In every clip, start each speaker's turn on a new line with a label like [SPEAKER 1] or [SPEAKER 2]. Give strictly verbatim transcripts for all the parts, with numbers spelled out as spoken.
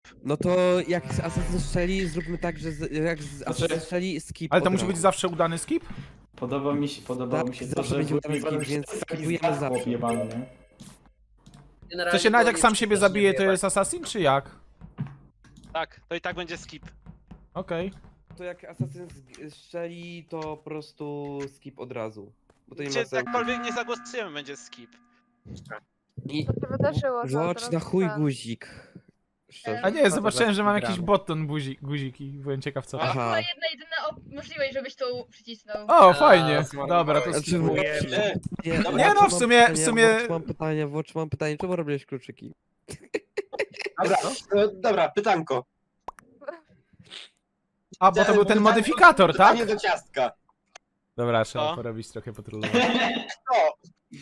[SPEAKER 1] No to jak z Assassin strzeli, zróbmy tak, że z, jak z Assassin strzeli, skip.
[SPEAKER 2] Ale to
[SPEAKER 1] od
[SPEAKER 2] musi
[SPEAKER 1] razu.
[SPEAKER 2] być zawsze udany skip?
[SPEAKER 3] Podoba mi się, podobało
[SPEAKER 1] Tak,
[SPEAKER 3] mi się to,
[SPEAKER 1] zawsze
[SPEAKER 3] że
[SPEAKER 1] będzie
[SPEAKER 3] w
[SPEAKER 1] udany
[SPEAKER 3] Weapon
[SPEAKER 1] skip, więc
[SPEAKER 3] taki
[SPEAKER 1] skipujemy
[SPEAKER 3] znak
[SPEAKER 1] zawsze.
[SPEAKER 3] chłop jebany, nie?
[SPEAKER 2] W sensie nawet jak sam siebie zabije, to jest assassin, czy jak?
[SPEAKER 4] Tak, to i tak będzie skip.
[SPEAKER 2] Okej.
[SPEAKER 1] To jak Assassin z- strzeli, to po prostu skip od razu. Bo to nie ma
[SPEAKER 4] Gdzie
[SPEAKER 1] sensu.
[SPEAKER 4] jakkolwiek nie zagłosujemy, będzie skip.
[SPEAKER 1] I
[SPEAKER 5] To się wydarzyło, co
[SPEAKER 1] włącz
[SPEAKER 5] teraz
[SPEAKER 1] na chuj
[SPEAKER 5] ten.
[SPEAKER 1] guzik. Szczerze.
[SPEAKER 2] A nie, zobaczyłem, że mam
[SPEAKER 6] gramy.
[SPEAKER 2] jakiś button buzi, guziki. Byłem ciekaw co.
[SPEAKER 4] Aha.
[SPEAKER 1] Aha.
[SPEAKER 7] Jedna jedyna op- możliwość, żebyś to przycisnął.
[SPEAKER 2] O, fajnie.
[SPEAKER 6] zmarnowałeś.
[SPEAKER 2] Dobra, to
[SPEAKER 1] Znaczy,
[SPEAKER 2] skipuję.
[SPEAKER 1] Nie,
[SPEAKER 2] Nie
[SPEAKER 1] Watch,
[SPEAKER 2] no, w
[SPEAKER 1] mam
[SPEAKER 2] sumie- w
[SPEAKER 1] pytanie,
[SPEAKER 2] sumie-
[SPEAKER 1] Watch, mam pytanie, Watch, mam pytanie, czemu robiłeś kluczyki?
[SPEAKER 8] Dobra, no, dobra, pytanko.
[SPEAKER 2] A, bo to był ten modyfikator, tak?
[SPEAKER 8] Pytanie do ciastka.
[SPEAKER 2] Dobra, trzeba
[SPEAKER 4] Co?
[SPEAKER 2] porobić trochę patrolowania.
[SPEAKER 8] Kto?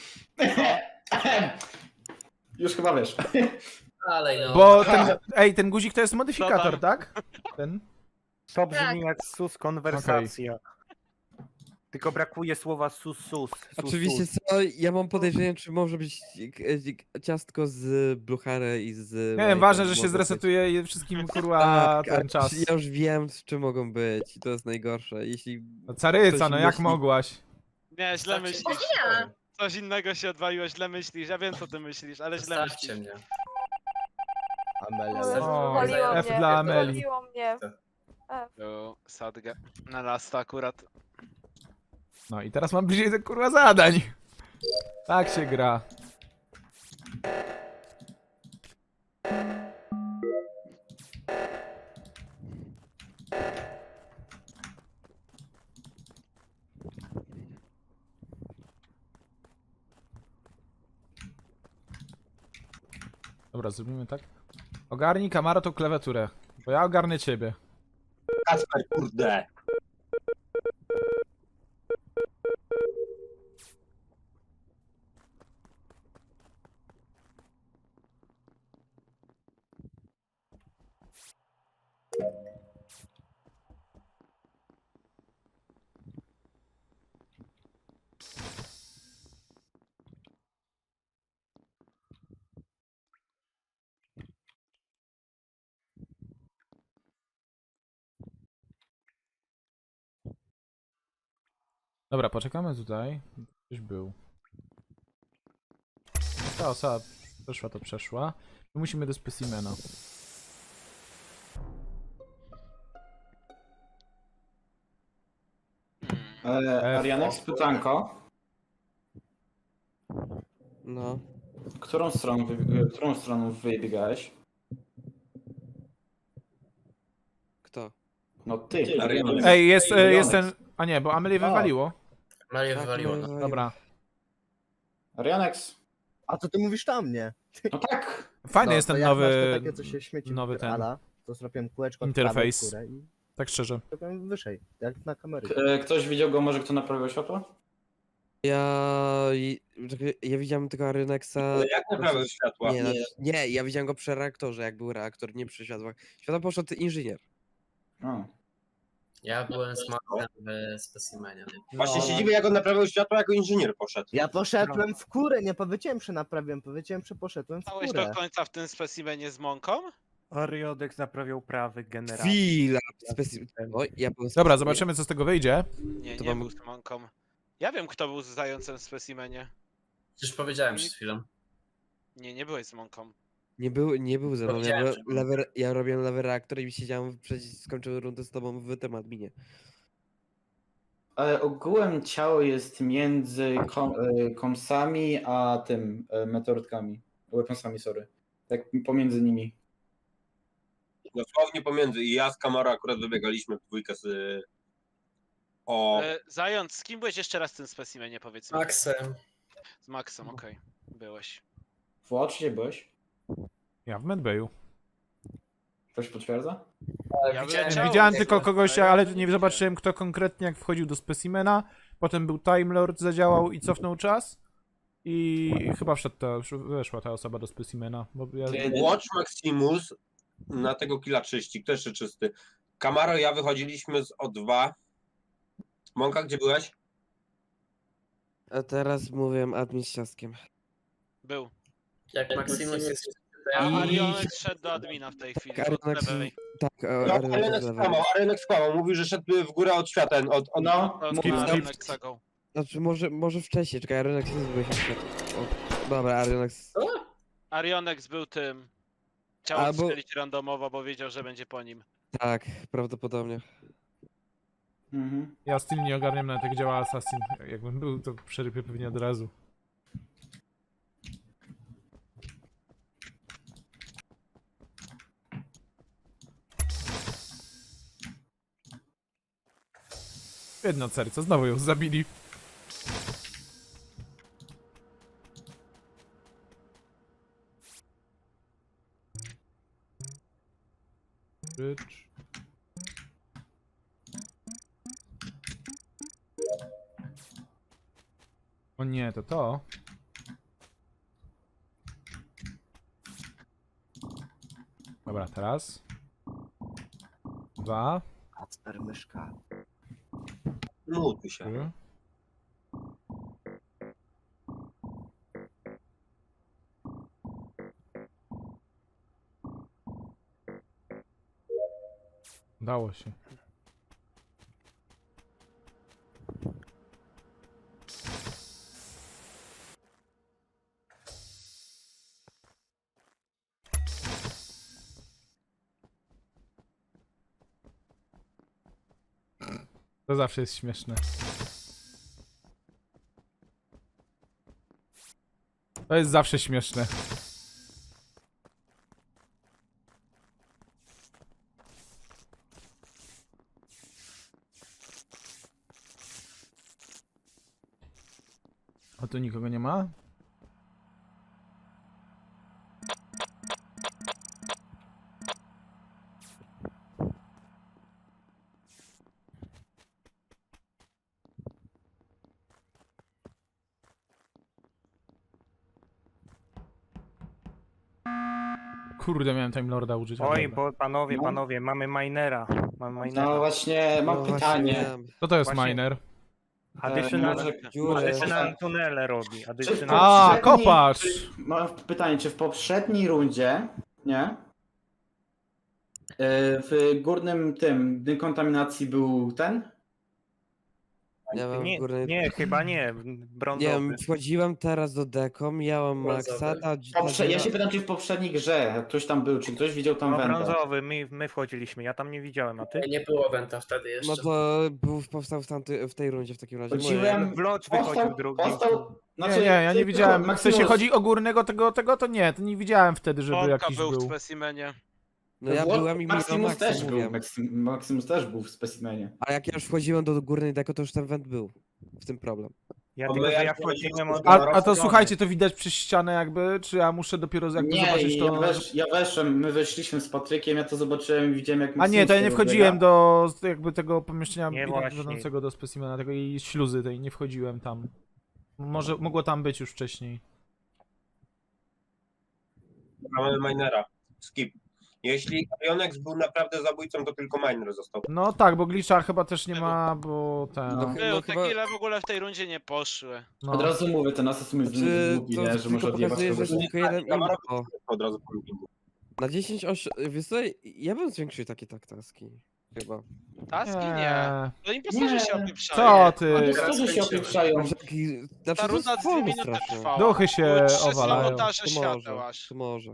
[SPEAKER 3] Już chyba wiesz.
[SPEAKER 6] Dalej, no.
[SPEAKER 2] Bo ten, ej, ten guzik to jest modyfikator,
[SPEAKER 4] Co
[SPEAKER 2] tak? Ten?
[SPEAKER 6] To brzmi
[SPEAKER 7] Tak.
[SPEAKER 6] jak sus konwersacja. Tylko brakuje słowa sus sus. sus
[SPEAKER 1] Oczywiście
[SPEAKER 6] sus.
[SPEAKER 1] co, ja mam podejrzenie, czy może być e, ciastko z Bluchary i z...
[SPEAKER 2] Nie wiem, ważne, że się zresetuje i wszystkim kurwa
[SPEAKER 1] Tak,
[SPEAKER 2] ten czas.
[SPEAKER 1] Ja już wiem, z czym mogą być i to jest najgorsze, jeśli...
[SPEAKER 2] No, caryca,
[SPEAKER 1] ktoś
[SPEAKER 2] no jak
[SPEAKER 1] myśli-
[SPEAKER 2] mogłaś?
[SPEAKER 4] Nie, źle
[SPEAKER 6] Wystarczy-
[SPEAKER 4] myślisz.
[SPEAKER 7] Ja.
[SPEAKER 4] Coś innego się odwaliło, źle myślisz. Ja wiem co ty myślisz, ale źle
[SPEAKER 6] Zostawcie
[SPEAKER 4] myślisz.
[SPEAKER 6] mnie.
[SPEAKER 5] O Jezu,
[SPEAKER 2] O,
[SPEAKER 5] wywaliło
[SPEAKER 2] F
[SPEAKER 5] mnie,
[SPEAKER 2] dla Ameli.
[SPEAKER 5] wywaliło mnie.
[SPEAKER 4] Tu, sadgę. Na lasta akurat.
[SPEAKER 2] No i teraz mam bliżej do kurwa zadań. Tak się gra. Dobra, zrobimy tak. Ogarnij Kamaro tą klawiaturę, bo ja ogarnę ciebie.
[SPEAKER 8] Kasper, kurde.
[SPEAKER 2] Dobra, poczekamy tutaj. Ktoś był. Ta osoba przeszła, to przeszła. My musimy do specimena.
[SPEAKER 4] Hmm.
[SPEAKER 3] E,
[SPEAKER 2] F.
[SPEAKER 3] Arianex, pytanko.
[SPEAKER 1] No.
[SPEAKER 3] Którą stroną, wy, którą stroną wybiegałeś?
[SPEAKER 1] Kto?
[SPEAKER 3] No ty,
[SPEAKER 8] Arianex.
[SPEAKER 2] Ej, jest, e,
[SPEAKER 3] Arianex.
[SPEAKER 2] jest ten... A nie, bo Amelie wywaliło.
[SPEAKER 6] Marię
[SPEAKER 1] Tak,
[SPEAKER 6] wywaliło.
[SPEAKER 1] no,
[SPEAKER 6] No.
[SPEAKER 1] no,
[SPEAKER 2] Dobra.
[SPEAKER 3] Arianex.
[SPEAKER 9] A co ty mówisz tam, nie?
[SPEAKER 3] No tak.
[SPEAKER 2] Fajny
[SPEAKER 9] No,
[SPEAKER 2] jest
[SPEAKER 9] to
[SPEAKER 2] ten
[SPEAKER 9] jak masz
[SPEAKER 2] nowy...
[SPEAKER 9] to takie, co się śmieci
[SPEAKER 2] nowy ten
[SPEAKER 9] wypierdala, to zrobiłem kółeczko od
[SPEAKER 2] interfejs.
[SPEAKER 9] prawej w górę i
[SPEAKER 2] Tak szczerze.
[SPEAKER 9] zrobiłem wyżej, jak na kamerze.
[SPEAKER 3] K- e, Ktoś widział go może, kto naprawiał światło?
[SPEAKER 1] Ja... czekaj, Ja widziałem tego Arynexa...
[SPEAKER 8] Ale jak naprawdę światła?
[SPEAKER 1] Nie, nie. nie, ja widziałem go przy reaktorze, jak był reaktor, nie przy światłach. Światło poszedł inżynier.
[SPEAKER 3] O.
[SPEAKER 6] Ja byłem z Maxem w specimenie.
[SPEAKER 8] Właśnie
[SPEAKER 9] No.
[SPEAKER 8] się dziwię, jak on naprawiał światła, jako inżynier poszedł.
[SPEAKER 9] Ja poszedłem w górę, nie powiedziałem, że naprawiłem, powiedziałem, że poszedłem w
[SPEAKER 4] Stałeś
[SPEAKER 9] górę.
[SPEAKER 4] do końca w tym specimenie z mąką?
[SPEAKER 6] Ariodex naprawiał prawy generator.
[SPEAKER 1] Chwila! Speci... Oj, ja byłem
[SPEAKER 2] Dobra,
[SPEAKER 1] speci-
[SPEAKER 2] zobaczymy co z tego wyjdzie.
[SPEAKER 4] Nie,
[SPEAKER 1] To
[SPEAKER 4] nie
[SPEAKER 1] mam-
[SPEAKER 4] był z mąką. Ja wiem kto był z zającem w specimenie.
[SPEAKER 6] Już powiedziałem przed chwilą.
[SPEAKER 4] Nie, nie byłeś z mąką.
[SPEAKER 1] Nie był, nie był ze mną, ja,
[SPEAKER 6] Powiedziałem,
[SPEAKER 1] byłem
[SPEAKER 6] że był.
[SPEAKER 1] lewy, ja robiłem lewy reaktor i siedziałem, przecież skończyłem rundę z tobą w tym adminie.
[SPEAKER 3] Ale ogółem ciało jest między kom, e, komsami a tym, e, meteorytkami. Weaponsami, sorry. Tak pomiędzy nimi.
[SPEAKER 8] Dosłownie pomiędzy. I ja z Kamaro akurat wybiegaliśmy w dwójkę z... O...
[SPEAKER 4] E, Zając, z kim byłeś jeszcze raz w tym specimenie, powiedz mi?
[SPEAKER 6] Maxem.
[SPEAKER 4] Z Maxem, okej. Byłeś.
[SPEAKER 3] Watch, gdzie byłeś?
[SPEAKER 2] Ja w medbayu.
[SPEAKER 3] Ktoś potwierdza?
[SPEAKER 4] Ja
[SPEAKER 6] widziałem-
[SPEAKER 4] byłem ciało,
[SPEAKER 2] Widziałem
[SPEAKER 4] nie
[SPEAKER 2] tylko
[SPEAKER 4] byłem.
[SPEAKER 2] kogoś, ale nie zobaczyłem kto konkretnie jak wchodził do specimena. Potem był Time Lord, zadziałał i cofnął czas. I chyba wszedł ta, weszła ta osoba do specimena. Bo ja...
[SPEAKER 8] Watch Maximus na tego killa czyści. Kto jeszcze czysty? Kamaro, ja wychodziliśmy z O dwa. Mąka, gdzie byłeś?
[SPEAKER 1] A teraz mówię admin z ciastkiem.
[SPEAKER 4] Był.
[SPEAKER 6] Jak Maximus jest
[SPEAKER 4] A
[SPEAKER 1] I-
[SPEAKER 4] Arionek szedł do admina w tej chwili,
[SPEAKER 1] Tak,
[SPEAKER 4] od
[SPEAKER 1] Arionek-
[SPEAKER 4] lewej.
[SPEAKER 1] Tak,
[SPEAKER 8] No,
[SPEAKER 1] Arenek
[SPEAKER 8] Arenek
[SPEAKER 1] z lewej.
[SPEAKER 8] skłamał, Arenek skłamał. Mówił, że szedł w górę od świata. Od, od...
[SPEAKER 3] No,
[SPEAKER 4] To
[SPEAKER 2] Skip,
[SPEAKER 4] na
[SPEAKER 2] skip.
[SPEAKER 4] Arionek cegą.
[SPEAKER 1] Znaczy może, może wcześniej, czekaj, Arenek nie zbył się świat. O, dobra, Arenek.
[SPEAKER 4] Arionek był tym. Chciał
[SPEAKER 1] Albo-
[SPEAKER 4] odstrzelić randomowo, bo wiedział, że będzie po nim.
[SPEAKER 1] Tak, prawdopodobnie.
[SPEAKER 3] Mhm.
[SPEAKER 2] Ja styl nie ogarniam nawet jak działa Assassin. Jakbym był, to przerypię pewnie od razu. Jedno serce, znowu ją zabili. Rycz. O nie, to to. Dobra, teraz. Dwa.
[SPEAKER 9] Kacper myszka.
[SPEAKER 8] Mutuj się.
[SPEAKER 2] Trzy. Udało się. To zawsze jest śmieszne. To jest zawsze śmieszne. A tu nikogo nie ma? Kurde, miałem Time Lorda użyć. ale
[SPEAKER 6] Oj,
[SPEAKER 2] dobra.
[SPEAKER 6] bo panowie,
[SPEAKER 3] No.
[SPEAKER 6] panowie, mamy minera. Mamy minera.
[SPEAKER 3] No właśnie, mam
[SPEAKER 1] No
[SPEAKER 3] pytanie.
[SPEAKER 1] właśnie,
[SPEAKER 2] Co to jest
[SPEAKER 6] Właśnie-
[SPEAKER 2] miner?
[SPEAKER 6] Additional,
[SPEAKER 3] może-
[SPEAKER 1] dziurę.
[SPEAKER 6] additional tunele robi.
[SPEAKER 3] Czy w
[SPEAKER 6] Additional...
[SPEAKER 2] A,
[SPEAKER 3] poprzedniej-
[SPEAKER 2] kopacz!
[SPEAKER 3] czy- Mam pytanie, czy w poprzedniej rundzie, nie? Yy, W górnym tym dekontaminacji był ten?
[SPEAKER 1] Ja mam
[SPEAKER 6] Nie,
[SPEAKER 1] górny...
[SPEAKER 6] nie, chyba nie.
[SPEAKER 1] Nie
[SPEAKER 6] Brązowy.
[SPEAKER 1] wiem, wchodziłem teraz do deko, miałem Maxa, ta, ta
[SPEAKER 3] Poprze- ja
[SPEAKER 1] dziura-
[SPEAKER 3] się pytam, czy w poprzedniej grze ktoś tam był, czy ktoś widział tam
[SPEAKER 6] No
[SPEAKER 3] wędę?
[SPEAKER 6] brązowy, my, my wchodziliśmy, ja tam nie widziałem, a ty?
[SPEAKER 5] Nie było Wenta wtedy jeszcze.
[SPEAKER 1] No to był, powstał w, tamty, w tej rundzie w takim razie. Moje-
[SPEAKER 3] Chodziłem,
[SPEAKER 6] Vlog
[SPEAKER 3] postał,
[SPEAKER 6] wychodził drugi.
[SPEAKER 3] postał,
[SPEAKER 2] Nie,
[SPEAKER 3] znaczy,
[SPEAKER 2] nie, ja nie
[SPEAKER 3] ty-
[SPEAKER 2] widziałem. W sensie
[SPEAKER 3] Maximus-
[SPEAKER 2] chodzi o górnego tego, tego, to nie, to nie widziałem wtedy, żeby
[SPEAKER 4] Wątka
[SPEAKER 2] jakiś
[SPEAKER 4] był
[SPEAKER 2] był.
[SPEAKER 4] w specimenie.
[SPEAKER 1] No ja
[SPEAKER 3] Wło-
[SPEAKER 1] byłem i miałem
[SPEAKER 3] Maximus
[SPEAKER 1] Maxa,
[SPEAKER 3] też był,
[SPEAKER 1] mówiłem.
[SPEAKER 3] Maxim- Maximus też był w specimenie.
[SPEAKER 1] A jak ja już wchodziłem do górnej deko, to już ten went był. W tym problem.
[SPEAKER 6] Ja
[SPEAKER 8] Bo
[SPEAKER 6] tylko,
[SPEAKER 8] my
[SPEAKER 6] że ja
[SPEAKER 8] jak
[SPEAKER 6] wchodziłem od...
[SPEAKER 2] A, a to
[SPEAKER 6] strony.
[SPEAKER 2] słuchajcie, to widać przez ścianę jakby, czy ja muszę dopiero jakby
[SPEAKER 3] Nie,
[SPEAKER 2] zobaczyć
[SPEAKER 3] ja,
[SPEAKER 2] to...
[SPEAKER 3] wesz, ja weszłem, my weszliśmy z Patrykiem, ja to zobaczyłem i widziałem jak
[SPEAKER 2] A nie,
[SPEAKER 3] Maximus
[SPEAKER 2] to ja nie
[SPEAKER 3] tego
[SPEAKER 2] wchodziłem
[SPEAKER 3] biega.
[SPEAKER 2] do jakby tego pomieszczenia
[SPEAKER 6] Nie,
[SPEAKER 2] idąc-
[SPEAKER 6] właśnie.
[SPEAKER 2] idącego do specimena, tego i śluzy tej, nie wchodziłem tam. Może mogło tam być już wcześniej.
[SPEAKER 8] Mamy minera. Skip. Jeśli Arionex był naprawdę zabójcą, to tylko miner został.
[SPEAKER 2] No tak, bo glitcha chyba też nie ma, bo ten...
[SPEAKER 3] No.
[SPEAKER 1] No,
[SPEAKER 4] Był, te
[SPEAKER 1] chyba-
[SPEAKER 4] kile w ogóle w tej rundzie nie poszły.
[SPEAKER 2] No.
[SPEAKER 3] Od razu mówię, ten asasyn jest
[SPEAKER 1] Czy
[SPEAKER 3] głupi,
[SPEAKER 1] to
[SPEAKER 3] nie? Że
[SPEAKER 1] tylko
[SPEAKER 3] może odjebać
[SPEAKER 1] pokazuje, że
[SPEAKER 3] kogoś.
[SPEAKER 1] jest tylko jeden
[SPEAKER 8] Kamera
[SPEAKER 1] info.
[SPEAKER 8] od razu po lookingu.
[SPEAKER 1] Na dziesięć osiem... Wiesz co, ja bym zwiększył takie taktaski. Chyba.
[SPEAKER 4] Taski nie. To impostorzy
[SPEAKER 3] Nie.
[SPEAKER 4] się opieprzają.
[SPEAKER 2] Co ty?
[SPEAKER 3] Oni którzy się opieprzają.
[SPEAKER 1] Znaczy, taki- znaczy,
[SPEAKER 4] Ta
[SPEAKER 1] to jest
[SPEAKER 4] runda dwie
[SPEAKER 1] wolno
[SPEAKER 4] minuty
[SPEAKER 1] strasznie.
[SPEAKER 4] trwała.
[SPEAKER 2] Duchy się
[SPEAKER 4] Były trzy
[SPEAKER 2] owalają.
[SPEAKER 4] sabotaże
[SPEAKER 1] To
[SPEAKER 4] świateł
[SPEAKER 1] może,
[SPEAKER 4] aż.
[SPEAKER 1] to może.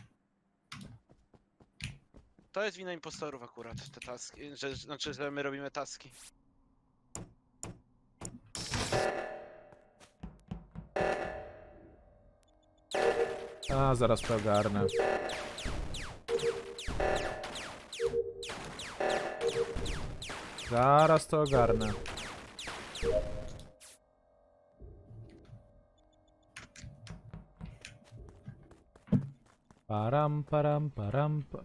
[SPEAKER 4] To jest wina impostorów akurat, te taski. Że, znaczy, że my robimy taski.
[SPEAKER 2] A, zaraz to ogarnę. Zaraz to ogarnę. Param, param, param, pa...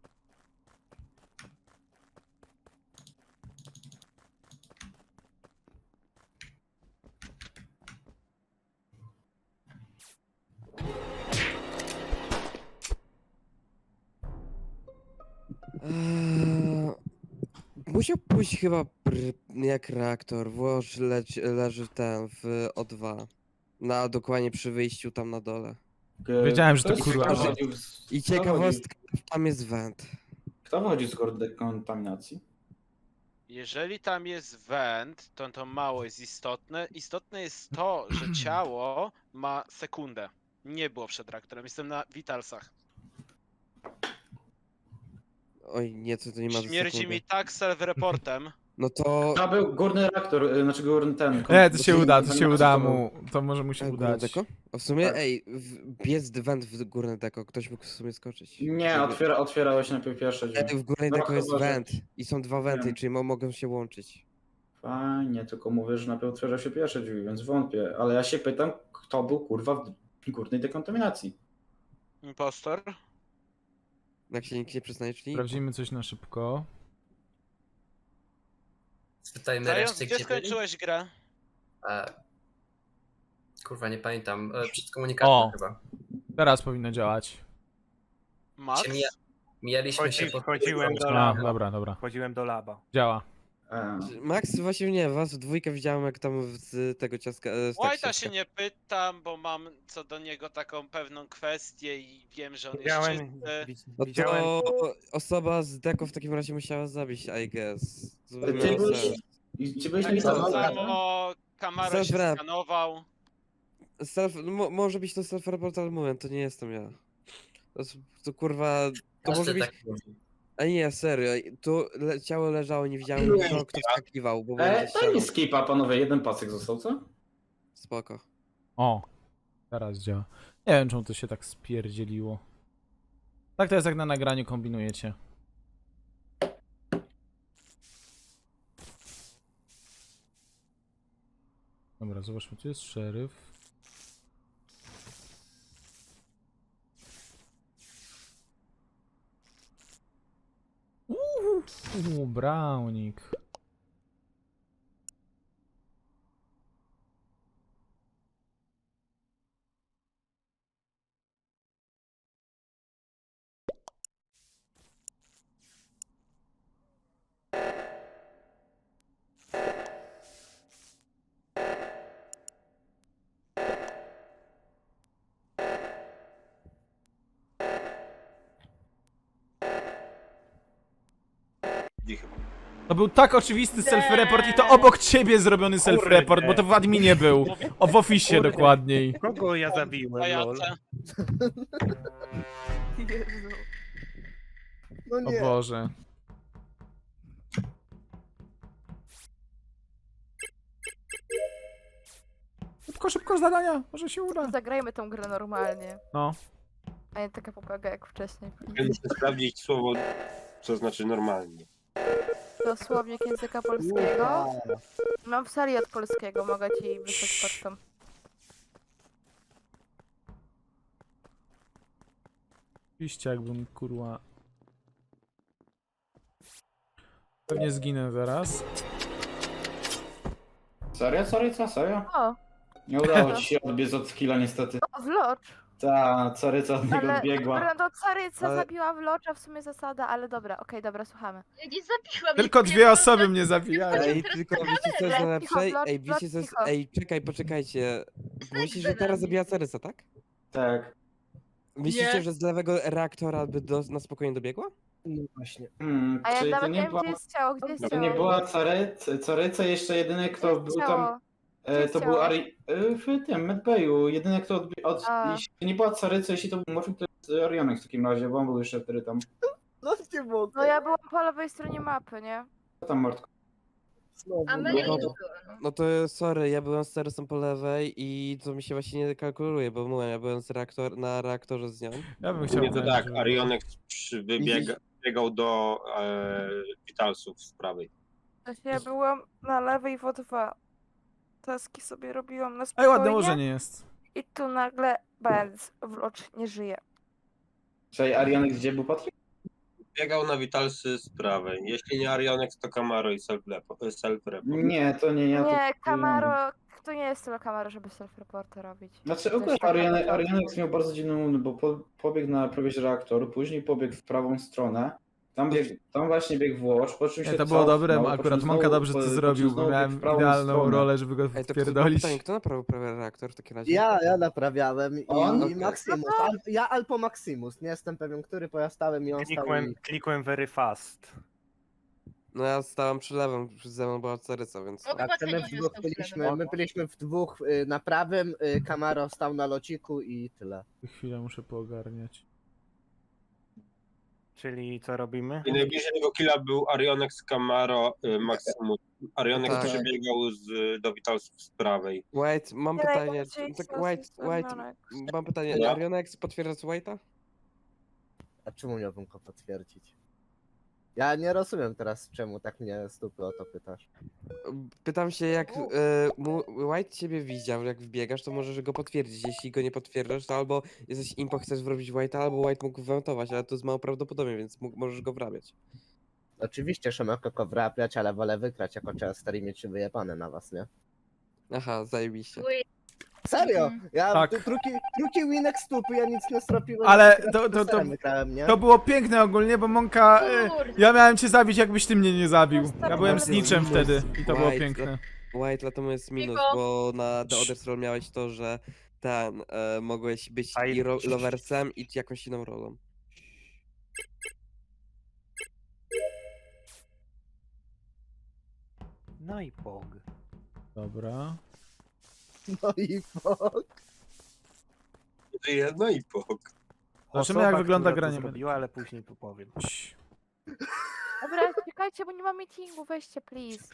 [SPEAKER 1] Eee, musiał pójść chyba pr- jak reaktor, włoż leć, leży ten w O dwa. Na dokładnie przy wyjściu tam na dole.
[SPEAKER 3] E,
[SPEAKER 2] Wiedziałem, że to
[SPEAKER 3] kto jest-
[SPEAKER 2] kurwa.
[SPEAKER 3] kto wychodził z-
[SPEAKER 1] I
[SPEAKER 3] kto wychodził-
[SPEAKER 1] ciekawostka, tam jest węd.
[SPEAKER 3] Kto wychodzi z góry dekontaminacji?
[SPEAKER 4] Jeżeli tam jest węd, to to mało jest istotne. Istotne jest to, że ciało ma sekundę. Nie było przed reaktorem, jestem na Vitalsach.
[SPEAKER 1] Oj, nie, to, to nie ma za
[SPEAKER 4] Śmierdzi
[SPEAKER 1] sekundę.
[SPEAKER 4] mi tak self-reportem.
[SPEAKER 1] No to...
[SPEAKER 3] To był górny reaktor, y, znaczy górny ten.
[SPEAKER 2] Nie, to się
[SPEAKER 3] kon-
[SPEAKER 2] uda, to się
[SPEAKER 3] kontaminacja
[SPEAKER 2] uda
[SPEAKER 3] to był-
[SPEAKER 2] mu. To może mu się
[SPEAKER 1] E, górne
[SPEAKER 2] udać.
[SPEAKER 1] deko? A w sumie,
[SPEAKER 3] Tak.
[SPEAKER 1] ej, w, jest węd w górne deko, ktoś mógł w sumie skoczyć.
[SPEAKER 3] Nie,
[SPEAKER 1] Żeby-
[SPEAKER 3] otwiera, otwierałeś najpierw pierwsze drzwi.
[SPEAKER 1] E, W górnej
[SPEAKER 3] No,
[SPEAKER 1] deko jest
[SPEAKER 3] chyba, że-
[SPEAKER 1] węd i są dwa węty,
[SPEAKER 3] Wiem.
[SPEAKER 1] czyli mo mogą się łączyć.
[SPEAKER 3] Fajnie, tylko mówię, że najpierw otwiera się pierwsze drzwi, więc wątpię. Ale ja się pytam, kto był kurwa w górnej dekontaminacji.
[SPEAKER 4] Impostor.
[SPEAKER 1] Jak się nikt nie przyznaje, czyli...
[SPEAKER 2] Sprawdzimy coś na szybko.
[SPEAKER 5] Spytajmy
[SPEAKER 4] Zając,
[SPEAKER 5] reszty,
[SPEAKER 4] gdzie
[SPEAKER 5] gdzie byli?
[SPEAKER 4] skończyłeś grę?
[SPEAKER 5] E, kurwa, nie pamiętam. E, przed komunikatem
[SPEAKER 2] O.
[SPEAKER 5] chyba.
[SPEAKER 2] Teraz powinno działać.
[SPEAKER 4] Max?
[SPEAKER 5] Się mija, mijaliśmy się
[SPEAKER 6] Chodzi,
[SPEAKER 5] pod...
[SPEAKER 6] wchodziłem do
[SPEAKER 2] A,
[SPEAKER 6] laba.
[SPEAKER 2] dobra, dobra.
[SPEAKER 6] Wchodziłem do laba.
[SPEAKER 2] Działa.
[SPEAKER 3] E,
[SPEAKER 1] Max, właśnie nie, was w dwójkę widziałem, jak tam z tego ciaska... e, z
[SPEAKER 4] White'a
[SPEAKER 1] taksiaka.
[SPEAKER 4] się nie pytam, bo mam co do niego taką pewną kwestię i wiem, że on jest
[SPEAKER 6] Widziałem,
[SPEAKER 4] czysty.
[SPEAKER 6] wi-
[SPEAKER 1] No
[SPEAKER 6] widziałem,
[SPEAKER 1] to osoba z deko w takim razie musiała zabić, I guess. To by
[SPEAKER 3] Ty
[SPEAKER 1] miało
[SPEAKER 3] byłeś-
[SPEAKER 1] sens.
[SPEAKER 3] i czy byłeś
[SPEAKER 4] Tak
[SPEAKER 3] na
[SPEAKER 4] samo
[SPEAKER 3] witalsach?
[SPEAKER 4] Camaro się
[SPEAKER 1] Self-rep.
[SPEAKER 4] skanował.
[SPEAKER 1] Self, no, mo, może być to self-report, ale mówię, to nie jestem ja. To, jest- to kurwa... To
[SPEAKER 5] Każdy
[SPEAKER 1] może być...
[SPEAKER 5] tak mówi.
[SPEAKER 1] A nie, serio, tu le ciało leżało, nie widziałem nikogo, kto wskakiwał, bo byłem
[SPEAKER 3] E,
[SPEAKER 1] ze
[SPEAKER 3] daj
[SPEAKER 1] ścianą.
[SPEAKER 3] mi skipa, panowie, jeden pasek został, co?
[SPEAKER 1] Spoko.
[SPEAKER 2] O, teraz działa. Nie wiem, czemu to się tak spierdzieliło. Tak to jest, jak na nagraniu kombinujecie. Dobra, zobaczmy, tu jest szeryf. Uuu, brownik.
[SPEAKER 8] Dzichy.
[SPEAKER 2] To był tak oczywisty self-report i to obok ciebie zrobiony self-report, bo to w adminie był. O, w oficie
[SPEAKER 6] Kurde.
[SPEAKER 2] dokładniej.
[SPEAKER 6] kogo ja zabiłem, lol?
[SPEAKER 4] Pajace.
[SPEAKER 9] Jezu. No
[SPEAKER 2] O
[SPEAKER 9] nie.
[SPEAKER 2] Boże. Szybko, szybko zadania, może się uda.
[SPEAKER 10] Zagrajmy tą grę normalnie,
[SPEAKER 2] No.
[SPEAKER 10] a nie taka popaga jak wcześniej.
[SPEAKER 8] Ja muszę sprawdzić słowo, co znaczy normalnie.
[SPEAKER 10] To słownik języka polskiego. Mam w serii od polskiego, mogę ci wysłać pocztą.
[SPEAKER 2] Oczywiście jakbym kurwa... Pewnie zginę zaraz.
[SPEAKER 3] Serio, sorry, co, serio?
[SPEAKER 10] O,
[SPEAKER 3] Nie udało ci się odbiec od skilla niestety.
[SPEAKER 10] o Vlocz!
[SPEAKER 3] Ta, caryca od niego
[SPEAKER 10] Ale
[SPEAKER 3] odbiegła.
[SPEAKER 10] Brando Caryca
[SPEAKER 1] Ale-
[SPEAKER 10] zabiła Vlocza, w sumie zasada, ale dobra, okej, dobra, słuchamy.
[SPEAKER 7] Ja nie zabiłam.
[SPEAKER 2] Tylko
[SPEAKER 7] nie
[SPEAKER 2] dwie
[SPEAKER 7] wiem,
[SPEAKER 2] osoby
[SPEAKER 7] co-
[SPEAKER 2] mnie zabijają.
[SPEAKER 1] Ej, tylko wiecie co jest
[SPEAKER 10] Cicho,
[SPEAKER 1] najlepsze?
[SPEAKER 10] Blot,
[SPEAKER 1] Ej,
[SPEAKER 10] Blot,
[SPEAKER 1] wiecie co jest...
[SPEAKER 10] cicho.
[SPEAKER 1] Ej, czekaj, poczekajcie. Myślicie, że
[SPEAKER 7] Snajper
[SPEAKER 1] teraz
[SPEAKER 7] na
[SPEAKER 1] zabija
[SPEAKER 7] mnie.
[SPEAKER 1] Cerysa, tak?
[SPEAKER 3] Tak.
[SPEAKER 1] Myślicie,
[SPEAKER 7] Nie.
[SPEAKER 1] że z lewego reaktora by do, na spokojnie dobiegła?
[SPEAKER 9] No właśnie.
[SPEAKER 3] Hmm,
[SPEAKER 10] A ja
[SPEAKER 3] czyli to
[SPEAKER 10] nawet nie
[SPEAKER 3] nie
[SPEAKER 10] wiem,
[SPEAKER 3] była,
[SPEAKER 10] gdzie jest ciało, gdzie jest
[SPEAKER 3] to
[SPEAKER 10] ciało?
[SPEAKER 3] nie była caryca, caryca jeszcze jedyny kto
[SPEAKER 10] Gdzie jest
[SPEAKER 3] był tam,
[SPEAKER 10] ciało?
[SPEAKER 3] e,
[SPEAKER 10] jest
[SPEAKER 3] to był
[SPEAKER 10] ciało?
[SPEAKER 3] Ari, e, w tym medbayu, jedyny kto od, od
[SPEAKER 10] A.
[SPEAKER 3] jeśli to nie była caryca, jeśli to był Morfin, to jest Orionek w takim razie, bo on był jeszcze wtedy tam.
[SPEAKER 9] No nie mogę.
[SPEAKER 10] No ja byłam po lewej stronie mapy, nie?
[SPEAKER 3] Co tam Mordko?
[SPEAKER 9] Znowu.
[SPEAKER 7] A
[SPEAKER 9] no.
[SPEAKER 7] Meli nie
[SPEAKER 1] No
[SPEAKER 7] było,
[SPEAKER 1] to-
[SPEAKER 7] no.
[SPEAKER 1] No to sorry, ja byłem z Cerysem po lewej i to mi się właśnie nie kalkuluje, bo mówię, ja byłem z reaktor, na reaktorze z nią.
[SPEAKER 2] Ja bym
[SPEAKER 8] Nie
[SPEAKER 2] chciał...
[SPEAKER 8] to
[SPEAKER 2] znaleźć,
[SPEAKER 8] tak,
[SPEAKER 2] żeby-
[SPEAKER 8] Arionek przy- wybiega, biegał do e, Vitalsów z prawej.
[SPEAKER 10] Ja byłam na lewej w O dwa. Taski sobie robiłam na
[SPEAKER 2] Ej,
[SPEAKER 10] spokojnie.
[SPEAKER 2] ładne ułożenie jest.
[SPEAKER 10] I tu nagle Benz Vlocz nie żyje.
[SPEAKER 3] Czyli Arionek gdzie był Patryk?
[SPEAKER 8] Biegał na Vitalsy z prawej. Jeśli nie Arionek, to Camaro i self-report. Self
[SPEAKER 3] Nie, to nie ja. to-
[SPEAKER 10] Nie, Camaro, to nie jest tyle Camaro, żeby self-reporty robić.
[SPEAKER 3] Znaczy
[SPEAKER 10] To
[SPEAKER 3] ogólnie
[SPEAKER 10] jest taka
[SPEAKER 3] Arionek,
[SPEAKER 10] taka-
[SPEAKER 3] Arionek miał bardzo dziwny moment, bo po, pobiegł na prawie że reaktor, później pobiegł w prawą stronę Tam, bieg, tam właśnie biegł Włoch, po czym
[SPEAKER 2] Nie,
[SPEAKER 3] się
[SPEAKER 2] to było
[SPEAKER 3] cofnął,
[SPEAKER 2] dobre,
[SPEAKER 3] po
[SPEAKER 2] akurat
[SPEAKER 3] czym
[SPEAKER 2] Monka
[SPEAKER 3] znowu-
[SPEAKER 2] dobrze
[SPEAKER 3] po-
[SPEAKER 2] to
[SPEAKER 3] po czym
[SPEAKER 2] zrobił, bo
[SPEAKER 3] znowu biegł
[SPEAKER 2] miałem
[SPEAKER 3] w prawą
[SPEAKER 2] idealną
[SPEAKER 3] stronę.
[SPEAKER 2] rolę, żeby go
[SPEAKER 1] Ej, to kto, mam
[SPEAKER 2] wpierdolić.
[SPEAKER 1] pytanie, kto naprawił prawie reaktor w takim razie?
[SPEAKER 9] Ja, ja naprawiałem i,
[SPEAKER 3] On?
[SPEAKER 9] i
[SPEAKER 1] Okej.
[SPEAKER 9] Maximus. Al, ja albo Maximus, nie jestem pewien, który, bo ja stałem i on stał
[SPEAKER 6] Klikłem,
[SPEAKER 9] i...
[SPEAKER 6] klikłem very fast.
[SPEAKER 1] No ja stałem przy lewym, przy ze mną była Caryca, więc...
[SPEAKER 7] O,
[SPEAKER 1] no.
[SPEAKER 7] chyba
[SPEAKER 9] Tak, my
[SPEAKER 7] Cenio
[SPEAKER 9] w
[SPEAKER 7] się
[SPEAKER 9] dwóch
[SPEAKER 7] stał
[SPEAKER 9] byliśmy,
[SPEAKER 7] śladem.
[SPEAKER 9] my byliśmy w dwóch y, na prawym, y, Camaro stał na lociku i tyle.
[SPEAKER 2] Chwilę muszę poogarniać.
[SPEAKER 6] Czyli co robimy?
[SPEAKER 8] I najbliżej tego killa był Arionex Camaro y, Maximus. Arionex
[SPEAKER 1] Tak.
[SPEAKER 8] przebiegał z, do Witalsów z prawej.
[SPEAKER 1] White, mam
[SPEAKER 10] Nie
[SPEAKER 1] pytanie,
[SPEAKER 10] najbardziej
[SPEAKER 1] tak
[SPEAKER 10] sos
[SPEAKER 1] White,
[SPEAKER 10] jest
[SPEAKER 1] White,
[SPEAKER 10] ramionek.
[SPEAKER 1] mam pytanie,
[SPEAKER 8] No.
[SPEAKER 1] Arionex potwierdza White'a?
[SPEAKER 9] A czemu miałbym go potwierdzić? Ja nie rozumiem teraz, czemu tak mnie stupy o to pytasz.
[SPEAKER 1] Pytam się, jak e, mu, White ciebie widział, jak wbiegasz, to możesz go potwierdzić. Jeśli go nie potwierdzasz, to albo jesteś impo, chcesz wrobić White'a, albo White mógł wętować, ale to jest mało prawdopodobne, więc mógł, możesz go wrabiać.
[SPEAKER 9] Oczywiście, że mogę go wrapiać, ale wolę wygrać jako Chester i mieć się wyjebane na was, nie?
[SPEAKER 1] Aha, zajebiście.
[SPEAKER 7] Uj,
[SPEAKER 9] Serio!
[SPEAKER 7] Mhm.
[SPEAKER 9] Ja
[SPEAKER 2] Tak.
[SPEAKER 9] tu drugi, drugi winek stupy, ja nic nie stropiłem.
[SPEAKER 2] Ale
[SPEAKER 9] tylko
[SPEAKER 2] to- to- to-
[SPEAKER 9] Chesterem wygrałem, nie?
[SPEAKER 2] To było piękne ogólnie, bo Monka... e,
[SPEAKER 7] kurde.
[SPEAKER 2] Ja miałem cię zabić, jakbyś ty mnie nie zabił. Ja
[SPEAKER 10] Tak,
[SPEAKER 2] byłem
[SPEAKER 10] tak.
[SPEAKER 2] snitchem wtedy i to było
[SPEAKER 1] White,
[SPEAKER 2] piękne.
[SPEAKER 1] White, dlatego jest minus,
[SPEAKER 7] Cicho.
[SPEAKER 1] bo na The Other Roll miałeś to, że ten, e, mogłeś być
[SPEAKER 6] A
[SPEAKER 1] i
[SPEAKER 6] i-
[SPEAKER 1] ro loversem, i jakąś inną rolą.
[SPEAKER 6] No i pog.
[SPEAKER 2] Dobra.
[SPEAKER 9] No i fuck.
[SPEAKER 8] Jedno i pok.
[SPEAKER 2] Zobaczymy, jak wygląda
[SPEAKER 6] która to
[SPEAKER 2] granie.
[SPEAKER 6] zrobiła, ale później tu powiem.
[SPEAKER 2] Cii.
[SPEAKER 10] Dobra, czekajcie, bo nie ma meetingu, weźcie, please.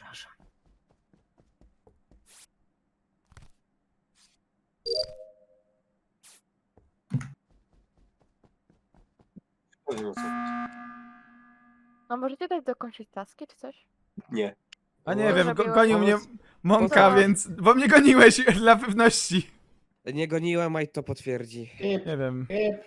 [SPEAKER 8] Powiem o co.
[SPEAKER 10] No możecie dać dokończyć taski, czy coś?
[SPEAKER 8] Nie.
[SPEAKER 2] A nie
[SPEAKER 10] Może
[SPEAKER 2] wiem, go,
[SPEAKER 10] było-
[SPEAKER 2] gonił mnie Monka,
[SPEAKER 10] No.
[SPEAKER 2] więc... Bo mnie goniłeś dla pewności.
[SPEAKER 1] Nie goniłem, White to potwierdzi.
[SPEAKER 2] Nie wiem.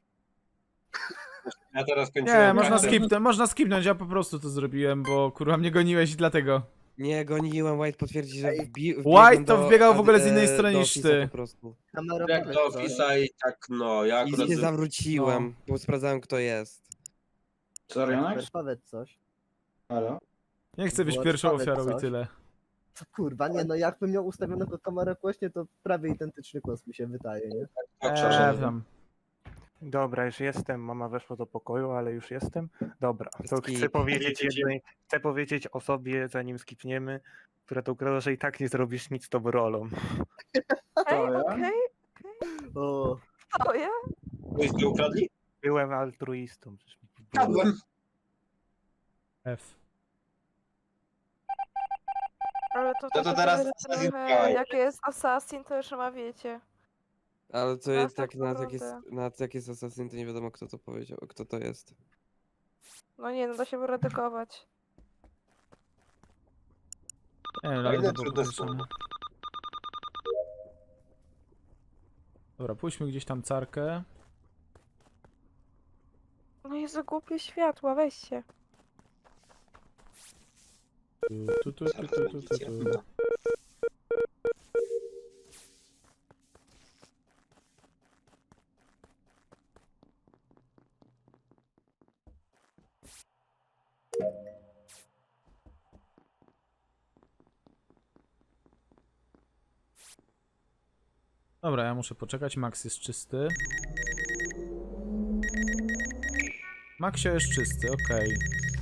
[SPEAKER 8] Ja teraz kończyłem
[SPEAKER 2] Nie, można
[SPEAKER 8] pracę.
[SPEAKER 2] skipnąć, można skipnąć, ja po prostu to zrobiłem, bo kurwa mnie goniłeś i dlatego.
[SPEAKER 1] Nie goniłem, White potwierdzi, że
[SPEAKER 9] Ej,
[SPEAKER 1] wbi
[SPEAKER 2] White to
[SPEAKER 1] do
[SPEAKER 2] wbiegał w
[SPEAKER 1] ad-
[SPEAKER 2] ogóle z innej
[SPEAKER 1] e,
[SPEAKER 2] strony
[SPEAKER 1] do
[SPEAKER 2] niż
[SPEAKER 1] Office'a
[SPEAKER 2] ty.
[SPEAKER 1] Po prostu.
[SPEAKER 9] Kamera
[SPEAKER 8] Jak do Office'a i tak no, ja
[SPEAKER 1] I
[SPEAKER 8] akurat...
[SPEAKER 1] nie zawróciłem, bo sprawdzałem kto jest.
[SPEAKER 3] Co, Arionex?
[SPEAKER 9] Chester, powiedz coś.
[SPEAKER 3] Halo?
[SPEAKER 2] Nie chcę być
[SPEAKER 9] Było
[SPEAKER 2] pierwszą
[SPEAKER 9] powiedz
[SPEAKER 2] ofiarą i
[SPEAKER 9] coś.
[SPEAKER 2] tyle.
[SPEAKER 9] Co kurwa, nie no, jakbym miał ustawionego kamerę głośnie, to prawie identyczny głos mi się wydaje, nie?
[SPEAKER 8] Tak,
[SPEAKER 2] Eee,
[SPEAKER 8] przepraszam.
[SPEAKER 2] tam.
[SPEAKER 6] Dobra, już jestem. Mama weszła do pokoju, ale już jestem. Dobra, to
[SPEAKER 1] Skip.
[SPEAKER 6] chcę powiedzieć jednej, chcę powiedzieć osobie, zanim skipniemy, która to ukradła, że i tak nie zrobisz nic z tą rolą.
[SPEAKER 10] Okej,
[SPEAKER 3] ja?
[SPEAKER 10] okej,
[SPEAKER 9] O,
[SPEAKER 10] to ja?
[SPEAKER 8] Myśmy ukradli?
[SPEAKER 6] Byłem altruistą. przecież mi było.
[SPEAKER 8] Kradłem.
[SPEAKER 2] F.
[SPEAKER 10] Ale to,
[SPEAKER 8] No to
[SPEAKER 10] tak
[SPEAKER 8] teraz
[SPEAKER 10] trochę,
[SPEAKER 8] Assassin's
[SPEAKER 10] trochę,
[SPEAKER 8] Creed.
[SPEAKER 10] jak jest Assassin, to już ma wiecie.
[SPEAKER 1] Ale to
[SPEAKER 10] Teraz
[SPEAKER 1] jest
[SPEAKER 10] tak
[SPEAKER 1] tak, nawet jak jest,
[SPEAKER 10] naprawdę.
[SPEAKER 1] nawet jak jest Assassin, to nie wiadomo kto to powiedział, kto to jest.
[SPEAKER 10] No nie, no da się wyredagować.
[SPEAKER 2] Nie wiem,
[SPEAKER 8] Fajne,
[SPEAKER 2] ale to było
[SPEAKER 8] trudne
[SPEAKER 2] podejrzane.
[SPEAKER 8] słowo.
[SPEAKER 2] Dobra, pójdźmy gdzieś tam carkę.
[SPEAKER 10] No Jezu, głupie światła, weźcie.
[SPEAKER 2] Tu, tu, tu, tu, tu, tu, tu, tu. Dobra, ja muszę poczekać. Max jest czysty. Maxio jest czysty, okej.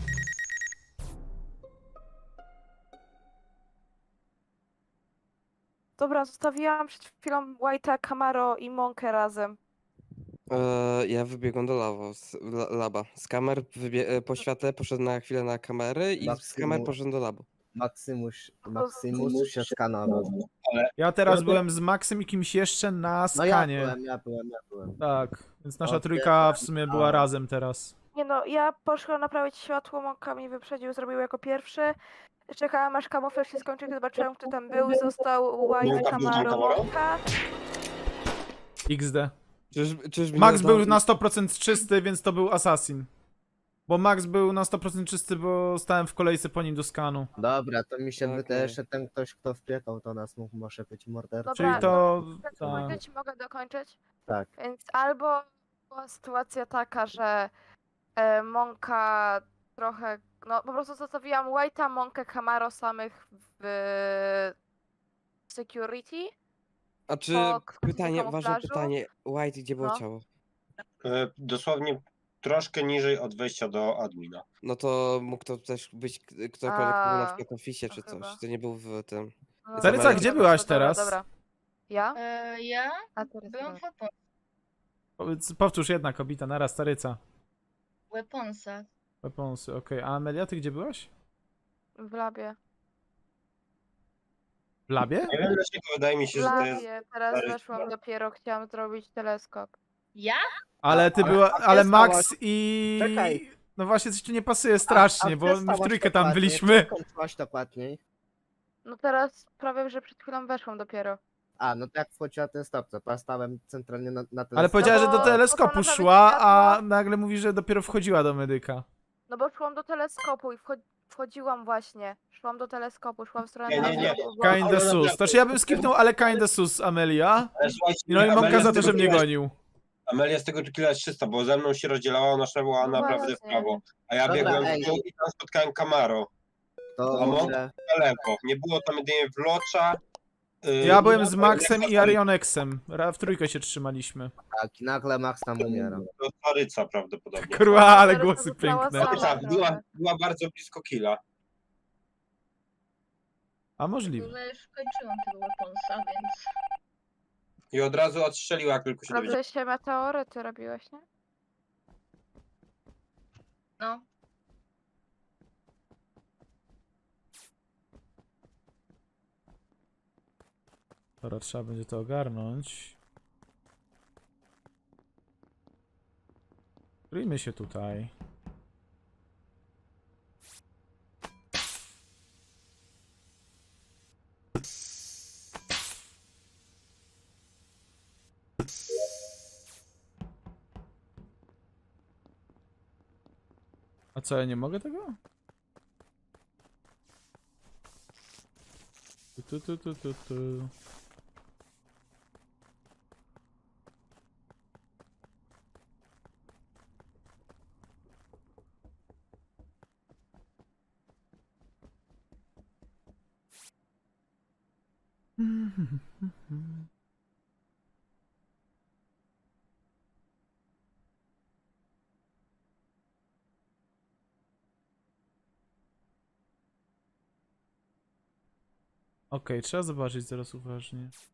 [SPEAKER 10] Dobra, zostawiłam przed chwilą White'a, Camaro i Monkę razem.
[SPEAKER 1] E, ja wybiegłem do lawo, z, la, laba. Z kamer wybie- e, po światle poszedłem na chwilę na kamery i z
[SPEAKER 9] Maksimum-
[SPEAKER 1] kamer poszedłem do labu.
[SPEAKER 9] Maximus, Maximus się skanował.
[SPEAKER 2] Ja teraz
[SPEAKER 9] Ja
[SPEAKER 2] byłem z Maxem i kimś jeszcze na
[SPEAKER 9] No ja
[SPEAKER 2] skanie.
[SPEAKER 9] byłem, ja byłem, ja byłem.
[SPEAKER 2] Tak, więc nasza
[SPEAKER 9] Okej,
[SPEAKER 2] trójka w sumie była
[SPEAKER 9] a-
[SPEAKER 2] razem teraz.
[SPEAKER 10] Nie no, ja poszłam naprawić światło, Monka mnie wyprzedził, zrobił jako pierwszy. Czekałam aż kamuflaż się skończył, gdy zobaczyłam kto tam był, został White,
[SPEAKER 8] Monka był
[SPEAKER 10] Camaro,
[SPEAKER 8] Camaro?
[SPEAKER 10] Monka.
[SPEAKER 2] X D.
[SPEAKER 1] Czyż, czyżby
[SPEAKER 2] Max
[SPEAKER 1] nie
[SPEAKER 2] był
[SPEAKER 1] dał-
[SPEAKER 2] na sto procent czysty, więc to był Assassin. Bo Max był na sto procent czysty, bo stałem w kolejce po nim do skanu.
[SPEAKER 9] Dobra, to mi się
[SPEAKER 1] Okej.
[SPEAKER 9] wydaje, że ten ktoś, kto wpiekał do nas, mógł może być mordercą.
[SPEAKER 10] Dobra,
[SPEAKER 2] Czyli to...
[SPEAKER 10] Mogę
[SPEAKER 2] Tak.
[SPEAKER 10] dokończyć? Mogę dokończyć?
[SPEAKER 9] Tak.
[SPEAKER 10] Więc albo była sytuacja taka, że e, Monka trochę, no po prostu zostawiłam White'a, Monkę, Camaro samych w security.
[SPEAKER 1] A czy
[SPEAKER 10] Po k-
[SPEAKER 1] pytanie, ważne
[SPEAKER 10] kamuflażu?
[SPEAKER 1] pytanie, White, gdzie było
[SPEAKER 10] No.
[SPEAKER 1] ciało?
[SPEAKER 8] E, dosłownie troszkę niżej od wejścia do admina.
[SPEAKER 1] No to mógł to też być k- ktokolwiek, kto był na
[SPEAKER 10] A,
[SPEAKER 1] przykład w ofisie
[SPEAKER 10] to
[SPEAKER 1] czy coś.
[SPEAKER 10] chyba.
[SPEAKER 1] To nie był w tym.
[SPEAKER 10] No,
[SPEAKER 2] Taryca,
[SPEAKER 10] dobra,
[SPEAKER 2] gdzie
[SPEAKER 10] dobra,
[SPEAKER 2] byłaś
[SPEAKER 10] dobra,
[SPEAKER 2] teraz?
[SPEAKER 10] Dobra. Ja?
[SPEAKER 7] E, ja
[SPEAKER 10] A Taryca,
[SPEAKER 7] byłam w
[SPEAKER 10] dobra.
[SPEAKER 7] weapon-
[SPEAKER 2] Powiedz- Powtórz jedna kobita, naraz Taryca.
[SPEAKER 7] weaponsach.
[SPEAKER 2] Weaponsy, okej. A Amelia, ty gdzie byłaś?
[SPEAKER 10] W labie.
[SPEAKER 2] W labie?
[SPEAKER 8] Nie wiem dlaczego wydaje mi
[SPEAKER 10] W
[SPEAKER 8] się, że to jest...
[SPEAKER 10] labie, teraz
[SPEAKER 8] Taryca.
[SPEAKER 10] weszłam dopiero, chciałam zrobić teleskop.
[SPEAKER 7] Ja?
[SPEAKER 2] Ale ty
[SPEAKER 9] ale-
[SPEAKER 2] była,
[SPEAKER 9] a gdzie
[SPEAKER 2] ale Max
[SPEAKER 9] stałaś?
[SPEAKER 2] i...
[SPEAKER 9] Czekaj.
[SPEAKER 2] No właśnie, coś tu nie pasuje strasznie,
[SPEAKER 9] A- a
[SPEAKER 2] bo
[SPEAKER 9] gdzie
[SPEAKER 2] my w
[SPEAKER 9] stałaś
[SPEAKER 2] trójkę tam
[SPEAKER 9] dokładnie?
[SPEAKER 2] byliśmy.
[SPEAKER 9] Gdzie skończyłaś dokładniej?
[SPEAKER 10] No teraz prawie, że przed chwilą weszłam dopiero.
[SPEAKER 9] A, no to jak wchodziła ten stop, to ja stałem centralnie na, na ten
[SPEAKER 2] Ale
[SPEAKER 9] stop.
[SPEAKER 2] powiedziała, że do
[SPEAKER 10] bo
[SPEAKER 2] teleskopu
[SPEAKER 10] poszłam naprawić
[SPEAKER 2] szła, a
[SPEAKER 10] światło.
[SPEAKER 2] nagle mówi, że dopiero wchodziła do medyka.
[SPEAKER 10] No bo szłam do teleskopu i wcho- wchodziłam właśnie. Szłam do teleskopu, szłam w stronę
[SPEAKER 8] Nie, nie, nie.
[SPEAKER 10] teleskopu. bo-
[SPEAKER 2] Kinda sus. To czy ja bym skipnął, ale kinda sus, Amelia.
[SPEAKER 8] Ale słuchajcie,
[SPEAKER 2] No i
[SPEAKER 8] Amelia
[SPEAKER 2] Monka
[SPEAKER 8] z
[SPEAKER 2] za to,
[SPEAKER 8] tego
[SPEAKER 2] że mnie
[SPEAKER 8] killa-
[SPEAKER 2] gonił.
[SPEAKER 8] Amelia z tego killa jest czysta, bo ze mną się rozdzielała, ona szła
[SPEAKER 10] No
[SPEAKER 8] naprawdę w
[SPEAKER 10] właśnie.
[SPEAKER 8] prawo. A ja
[SPEAKER 9] Dobra,
[SPEAKER 8] biegłem
[SPEAKER 9] ej.
[SPEAKER 8] w dół i tam spotkałem Camaro
[SPEAKER 9] To
[SPEAKER 8] A mo-
[SPEAKER 9] ile?
[SPEAKER 8] na lewo. Nie było tam jedynie Wlocza. Yy,
[SPEAKER 2] Ja byłem z
[SPEAKER 8] i-
[SPEAKER 2] Maxem i Arionexem. Ra- W trójkę się trzymaliśmy.
[SPEAKER 9] Tak, i nagle Max tam umiera.
[SPEAKER 8] To Taryca prawdopodobnie.
[SPEAKER 2] Kurwa, ale
[SPEAKER 10] Teraz
[SPEAKER 2] głosy
[SPEAKER 10] została
[SPEAKER 2] piękne.
[SPEAKER 10] sama.
[SPEAKER 8] Taryca była,
[SPEAKER 10] trochę.
[SPEAKER 8] była bardzo blisko killa.
[SPEAKER 2] A możliwe.
[SPEAKER 7] Ale już kończyłam tego weaponsa, więc...
[SPEAKER 8] I od razu odstrzeliła, jak tylko się dowiedziała.
[SPEAKER 10] Dobrze się meteoryty robiłeś, nie?
[SPEAKER 7] No.
[SPEAKER 2] Dobra, trzeba będzie to ogarnąć. Kryjmy się tutaj. A co, ja nie mogę tego? Tu, tu, tu, tu, tu, tu. Okej, trzeba zobaczyć zaraz uważnie.